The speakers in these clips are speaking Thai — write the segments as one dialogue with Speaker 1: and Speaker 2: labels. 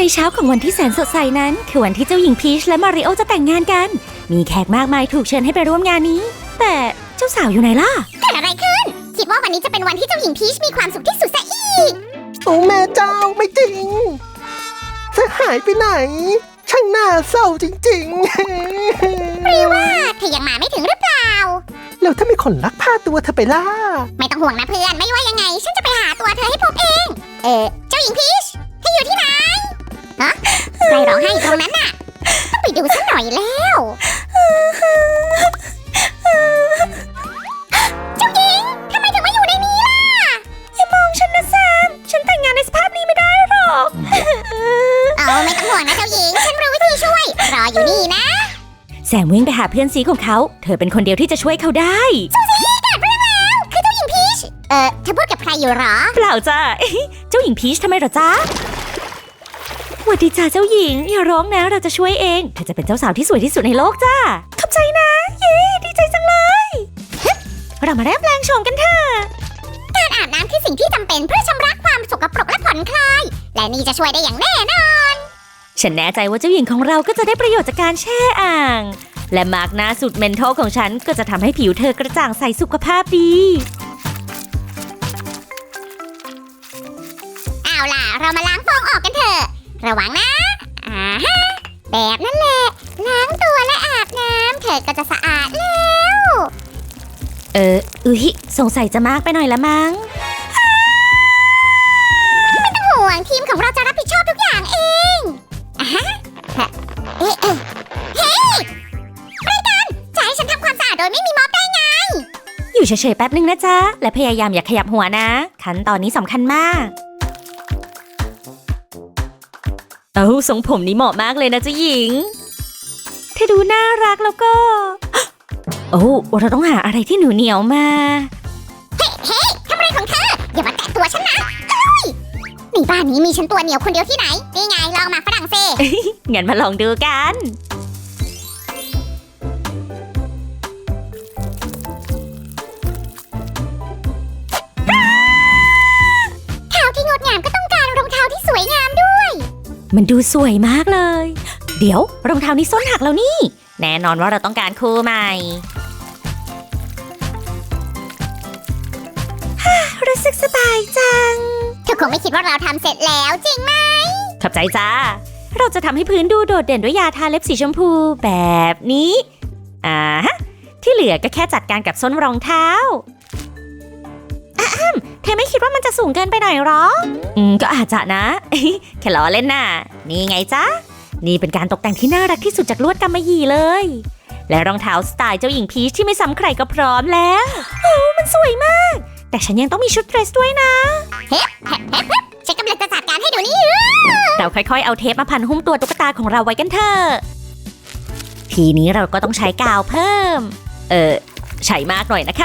Speaker 1: ในเช้าของวันที่แสนสดใสนั้นคือวันที่เจ้าหญิงพีชและมาริโอจะแต่งงานกันมีแขกมากมายถูกเชิญให้ไปร่วมงานนี้แต่เจ้าสาวอยู่ไหนล่ะ
Speaker 2: เกิดอะไรขึ้นคิดว่าวันนี้จะเป็นวันที่เจ้าหญิงพีชมีความสุขที่สุดซะอีก
Speaker 3: โอ้แม่เจ้าไม่จริงเธอหายไปไหนช่างน่าเศร้าจริงๆ
Speaker 2: หรือว่าเธอยังมาไม่ถึงหรือเปล่า
Speaker 3: แล้วถ้ามีคนลักพาตัวเธอไปล่ะ
Speaker 2: ไม่ต้องห่วงนะเพื่อนไม่ว่ายังไงฉันจะไปหาตัวเธอให้พบเองเจ้าหญิงพีชเธออยู่ที่ไหนฮะใครร้องไห้ตรงนั้นน่ะต้องไปดูสักหน่อยแล้วเจ้าหญิงทำไมถึงมาอยู่ในนี้ล่ะ
Speaker 1: อย่ามองฉันนะแซมฉันแต่งงานในสภาพนี้ไม่ได้หรอก
Speaker 2: ไม่ต้องห่วงนะเจ้าหญิงฉันรู้วิธีช่วยรออยู่นี่นะ
Speaker 1: แซมวิ่งไปหาเพื่อนซีของเขาเธอเป็นคนเดียวที่จะช่วยเขาได้
Speaker 2: ซูซี่เกิดเรื่องแล้วคือเจ้าหญิงพีชเธอพูดกับใครอยู่หรอ
Speaker 1: เปล่าจ้าเจ้าหญิงพีชทำไมหรอจ๊ะสวัสดีจ้าเจ้าหญิงอย่าร้องนะเราจะช่วยเองเธอจะเป็นเจ้าสาวที่สวยที่สุดในโลกจ้าขอบใจนะเย้ดีใจจังเลยเรามาเริ่มแปลงโฉมกันเถอะ
Speaker 2: การอาบน้ำคือสิ่งที่จำเป็นเพื่อชำระความสกปรกและผ่อนคลายและนี่จะช่วยได้อย่างแน่นอน
Speaker 1: ฉันแน่ใจว่าเจ้าหญิงของเราก็จะได้ประโยชน์จากการแช่อ่างและมาร์กหน้าสูตรเมนทอลของฉันก็จะทำให้ผิวเธอกระจ่างใสสุขภาพดี
Speaker 2: เอาล่ะเรามาล้างฟองออกกันเถอะระวังนะแบบนั้นแหละล้างตัวและอาบน้ำเธอก็จะสะอาดแล้ว
Speaker 1: สงสัยจะมากไปหน่อยละมั้ง
Speaker 2: ไม่ต้องห่วงทีมของเราจะรับผิดชอบทุกอย่างเองเฮ้อะไรกันจะให้ฉันทำความสะอาดโดยไม่มีม็อบได้ไง
Speaker 1: อยู่เฉยๆแป๊บนึงนะจ๊ะและพยายามอย่าขยับหัวนะขั้นตอนนี้สำคัญมากทรงผมนี้เหมาะมากเลยนะเจ้าหญิงเธอดูน่ารักแล้วก็เราต้องหาอะไรที่หนูเหนียวมา
Speaker 2: เฮ้ทำอะไรของเธออย่ามาแตะตัวฉันนะนี่บ้านนี้มีฉันตัวเหนียวคนเดียวที่ไหนนี่ไงลองมาฝรั่งเศส
Speaker 1: งั้นมาลองดูกัน
Speaker 2: เท้าที่งดงามก็ต้องการรองเท้าที่สวยงามด้วย
Speaker 1: มันดูสวยมากเลยเดี๋ยวรองเท้านี้ส้นหักแล้วนี่แน่นอนว่าเราต้องการคู่ใหม่รู้สึกสบายจัง
Speaker 2: เธอคงไม่คิดว่าเราทำเสร็จแล้วจริงไหม
Speaker 1: ขอบใจจ้าเราจะทำให้พื้นดูโดดเด่นด้วยยาทาเล็บสีชมพูแบบนี้ที่เหลือก็แค่จัดการกับส้นรองเท้าเธอไม่คิดว่ามันจะสูงเกินไปหน่อยหรอก็อาจจะนะแค่ล้อเล่นน่ะนี่ไงจ๊ะนี่เป็นการตกแต่งที่น่ารักที่สุดจากลวดกำมะหยี่เลยและรองเท้าสไตล์เจ้าหญิงพีชที่ไม่ซ้ำใครก็พร้อมแล้วมันสวยมากแต่ฉันยังต้องมีชุดเดรสด้วยนะ
Speaker 2: ฉันกำลังจะจัดการให้ดูนี่
Speaker 1: เราค่อยๆเอาเทปมาพันหุ้มตัวตุ๊กตาของเราไว้กันเถอะทีนี้เราก็ต้องใช้กาวเพิ่มใช้มากหน่อยนะคะ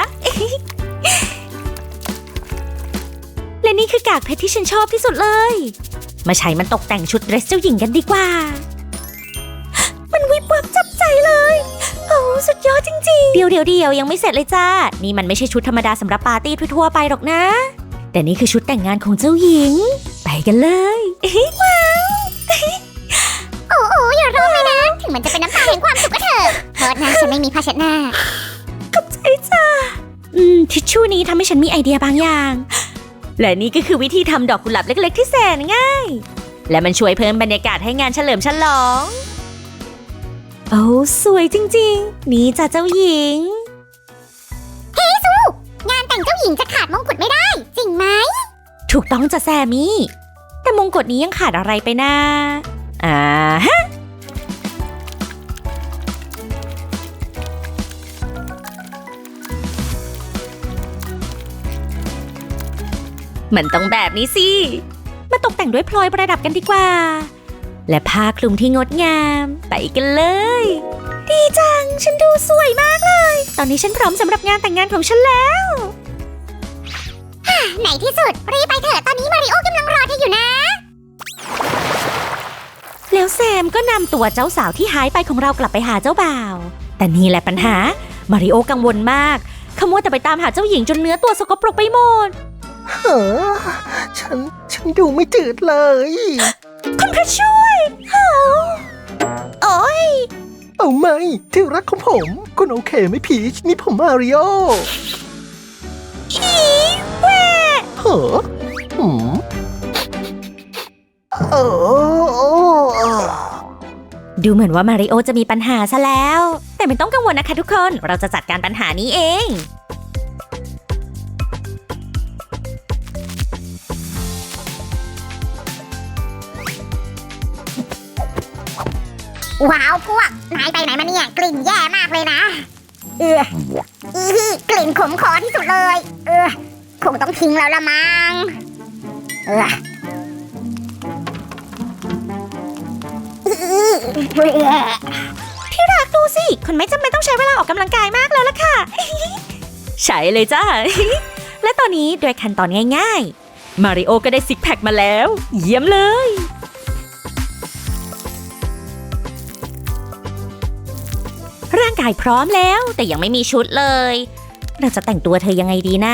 Speaker 1: และนี่คือกากเพชรที่ฉันชอบที่สุดเลยมาใช้มันตกแต่งชุดเดรสเจ้าหญิงกันดีกว่ามันวิบวับจับใจเลยสุดยอดจริงๆเดี๋ยวยังไม่เสร็จเลยจ้านี่มันไม่ใช่ชุดธรรมดาสำหรับปาร์ตี้ทั่วๆไปหรอกนะแต่นี่คือชุดแต่งงานของเจ้าหญิงไปกันเลย
Speaker 2: ว้าวอย่าร้องเลยนะถึงมันจะเป็นน้ำตาแห่งความสุขก็เถอะโทษนะฉันไม่มีผ้าเช็ดหน้า
Speaker 1: ขอบใจจ้าทิชชู่นี้ทำให้ฉันมีไอเดียบางอย่างและนี่ก็คือวิธีทำดอกกุหลาบเล็กๆที่แสนง่ายและมันช่วยเพิ่มบรรยากาศให้งานเฉลิมฉลองสวยจริงๆนี่จ้ะเจ้าหญิง
Speaker 2: เฮ้ซูงานแต่งเจ้าหญิงจะขาดมงกุฎไม่ได้จริงไหม
Speaker 1: ถูกต้องจ้ะแซมมี่แต่มงกุฎนี้ยังขาดอะไรไปนะมันต้องแบบนี้สิมาตกแต่งด้วยพลอยประดับกันดีกว่าและผ้าคลุมที่งดงามไปกันเลยดีจังฉันดูสวยมากเลยตอนนี้ฉันพร้อมสำหรับงานแต่งงานของฉันแล้ว
Speaker 2: ไหนที่สุดรีบไปเถอะตอนนี้มาริโอกำลังรอเธออยู่นะ
Speaker 1: แล้วแซมก็นำตัวเจ้าสาวที่หายไปของเรากลับไปหาเจ้าบ่าวแต่นี่แหละปัญหามาริโอกังวลมากขมัวแต่ไปตามหาเจ้าหญิงจนเนื้อตัวสกปรกไปหมด
Speaker 3: ฉันดูไม่จืดเลย
Speaker 1: คุณพระช่วยโอ้ย
Speaker 3: เอาไหมที่รักของผม คุณโอเคไหมพีชนี่ผมมาริโอ
Speaker 1: อีแหวะ
Speaker 3: เหรอหืมเออ
Speaker 1: ดูเหมือนว่ามาริโอจะมีปัญหาซะแล้ว แต่ไม่ต้องกังวลนะคะทุกคน เราจะจัดการปัญหานี้เอง
Speaker 2: ว้าวพวกนายไปไหนมาเนี่ยกลิ่นแย่มากเลยนะกลิ่นขมคอที่สุดเลยคงต้องทิ้งแล้วละมั้ง
Speaker 1: ที่รักดูสิคุณไม่จำเป็นต้องใช้เวลาออกกำลังกายมากแล้วล่ะค่ะ ใช่เลยจ้า และตอนนี้โดยขั้นตอนง่ายๆ มาริโอก็ได้ซิกแพคมาแล้ว เยี่ยมเลย ร่างกายพร้อมแล้วแต่ยังไม่มีชุดเลย เราจะแต่งตัวเธอยังไงดีนะ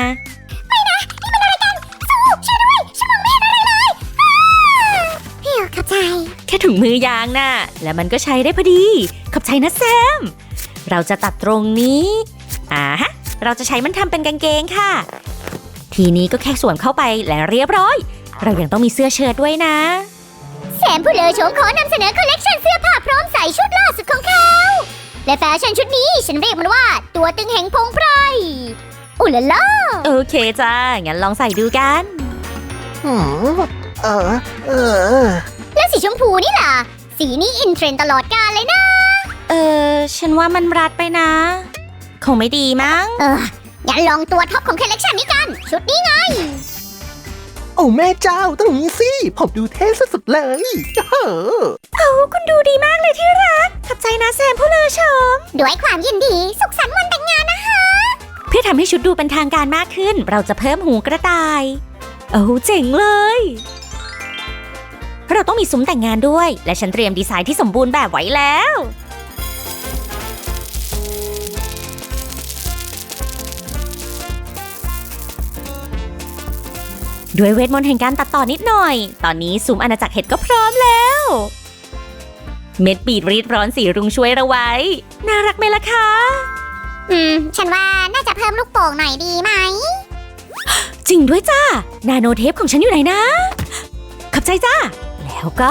Speaker 2: เข้าใจ
Speaker 1: แค่ถุงมือยางน่ะ และมันก็ใช้ได้พอดี ขอบใจนะแซม เราจะตัดตรงนี้ฮะ เราจะใช้มันทำเป็นกางเกงค่ะ ทีนี้ก็แค่สวมเข้าไปและเรียบร้อย เรายังต้องมีเสื้อเชิ้ตด้วยนะ
Speaker 2: แซมผู้เลอโฉมขอนำเสนอคอลเลกชันเสื้อผ้าพร้อมใส่ชุดล่าสุดของเขา และแฟชั่นชุดนี้ฉันเรียกมันว่าตัวตึงแห่งพงไพรอุลล่า
Speaker 1: โอเคจ้า งั้นลองใส่ดูกัน
Speaker 3: หืมเออ
Speaker 2: แล้วสีชมพูนี่ล่ะ สีนี้อินเทรนด์ตลอดกาลเลยนะ
Speaker 1: ฉันว่ามันรัดไปนะ คงไม่ดีมั้ง
Speaker 2: อย่าลองตัวท็อปของคอลเลกชันนี้กัน ชุดนี้ไง
Speaker 3: โอ้แม่เจ้าต้องอย่างนี้สิ ผมดูเท่สุดๆเลยเฮ้อ
Speaker 1: คุณดูดีมากเลยที่รัก ขอบใจนะแซมผู้เลอชม
Speaker 2: ด้วยความยินดีสุขสันต์วันแต่งงานนะคะ
Speaker 1: เพื่อทำให้ชุดดูเป็นทางการมากขึ้น เราจะเพิ่มหูกระต่าย โอ้เจ๋งเลย เราต้องมีซุ้มแต่งงานด้วย และฉันเตรียมดีไซน์ที่สมบูรณ์แบบไว้แล้ว ด้วยเวทมนต์แห่งการตัดต่อนิดหน่อย ตอนนี้ซุ้มอาณาจักรเห็ดก็พร้อมแล้ว เม็ดบีดรีดร้อนสีรุ้งช่วยเราไว้ น่ารักไหมล่ะคะ
Speaker 2: ฉันว่าน่าจะเพิ่มลูกโป่งหน่อยดีไหม
Speaker 1: จริงด้วยจ้า นาโนเทปของฉันอยู่ไหนนะ ขอบใจจ้า แล้วก็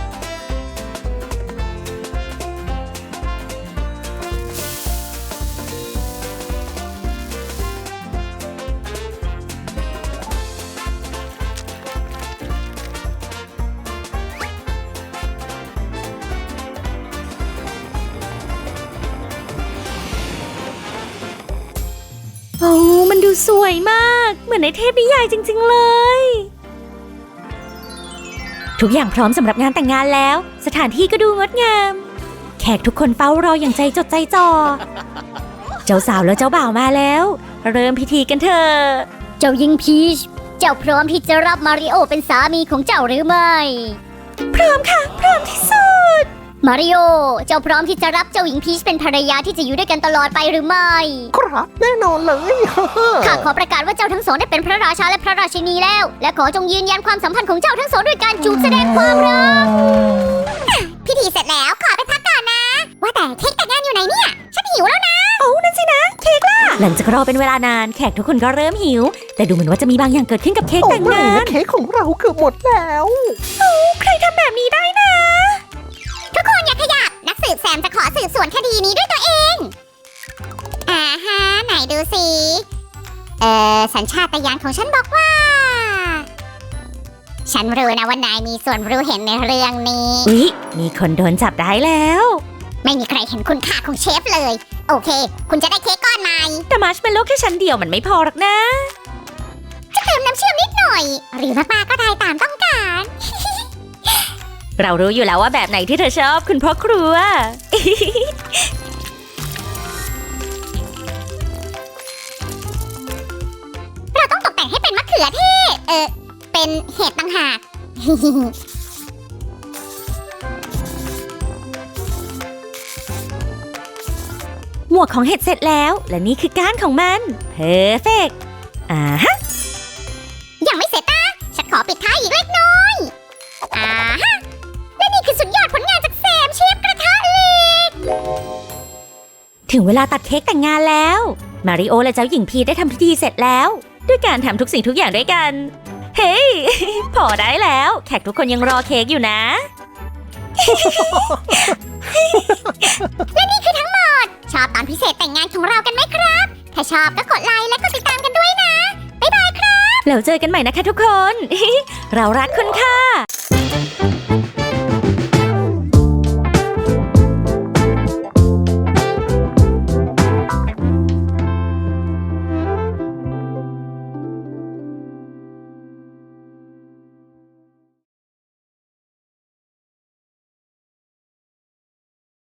Speaker 1: โอ้มันดูสวยมาก เหมือนในเทพนิยายจริงๆเลย ทุกอย่างพร้อมสำหรับงานแต่งงานแล้ว สถานที่ก็ดูงดงาม แขกทุกคนเฝ้ารออย่างใจจดใจจ่อ เจ้าสาวและเจ้าบ่าวมาแล้ว เริ่มพิธีกันเถอะ
Speaker 2: เจ้าหญิงพีช เจ้าพร้อมที่จะรับมาริโอเป็นสามีของเจ้าหรือไม่
Speaker 1: พร้อมค่ะ พร้อมที่สุด
Speaker 2: มาริโอ เจ้าพร้อมที่จะรับเจ้าหญิงพีชเป็นภรรยาที่จะอยู่ด้วยกันตลอดไปหรือไม่
Speaker 3: ครับแน่นอนเลย
Speaker 2: ข้าขอประกาศว่าเจ้าทั้งสองได้เป็นพระราชาและพระราชินีแล้ว และขอจงยืนยันความสัมพันธ์ของเจ้าทั้งสองด้วยการจูบแสดงความรัก พิธีเสร็จแล้วขอไปพักก่อนนะ ว่าแต่เค้กแต่งงานอยู่ไหนเนี่ย ฉันหิวแล้วนะ
Speaker 1: โอ้นั่นสินะ เค้กล่ะ หลังจากรอเป็นเวลานาน แขกทุกคนก็เริ่มหิว แต่ดูเหมือนว่าจะมีบางอย่างเกิดขึ้นกับเค้ก
Speaker 3: โอ้
Speaker 1: แต่ง
Speaker 3: ไม่
Speaker 1: งาน
Speaker 3: นะเค้กของเราเกือบหมดแล้ว
Speaker 1: ใครทำแบบนี้ได้นะ
Speaker 2: ทุกคนอย่าขยับ นักสืบแซมจะขอสืบสวนคดีนี้ด้วยตัวเองฮะไหนดูสิสัญชาตญาณของฉันบอกว่า ฉันรู้นะว่านายมีส่วนรู้เห็นในเรื่องนี้
Speaker 1: อุ๊ย มีคนโดนจับได้แล้ว
Speaker 2: ไม่มีใครเห็นคุณค่าของเชฟเลย โอเค คุณจะได้เค้กก้อนใหม่
Speaker 1: แต่มัชเมลโล่แค่ชั้นเดียวมันไม่พอหรอกนะ
Speaker 2: จะเติมน้ำเชื่อมนิดหน่อย หรือมากๆก็ได้ตามต้องการ
Speaker 1: เรารู้อยู่แล้วว่าแบบไหนที่เธอชอบคุณพ่อครัว
Speaker 2: เราต้องตกแต่งให้เป็นมะเขือเทศ เป็นเห็ดต่างหาก
Speaker 1: หมวกของเห็ดเสร็จแล้ว และนี่คือก้านของมัน เพอร์เฟกต์ฮะ
Speaker 2: ยังไม่เสร็จนะ ฉันขอปิดท้ายอีกเล็กน้อย
Speaker 1: ถึงเวลาตัดเค้กแต่งงานแล้ว มาริโอและเจ้าหญิงพีชได้ทำพิธีเสร็จแล้ว ด้วยการทำทุกสิ่งทุกอย่างด้วยกัน เฮ้ย พอได้แล้ว แขกทุกคนยังรอเค้กอยู่นะ
Speaker 2: ชอบตอนพิเศษแต่งงานของเรากันไหมครับ ถ้าชอบก็กดไลค์และกดติดตามกันด้วยนะ บ๊ายบายครับ
Speaker 1: แล้วเจอกันใหม่นะคะทุกคน เรารักคุณค่ะ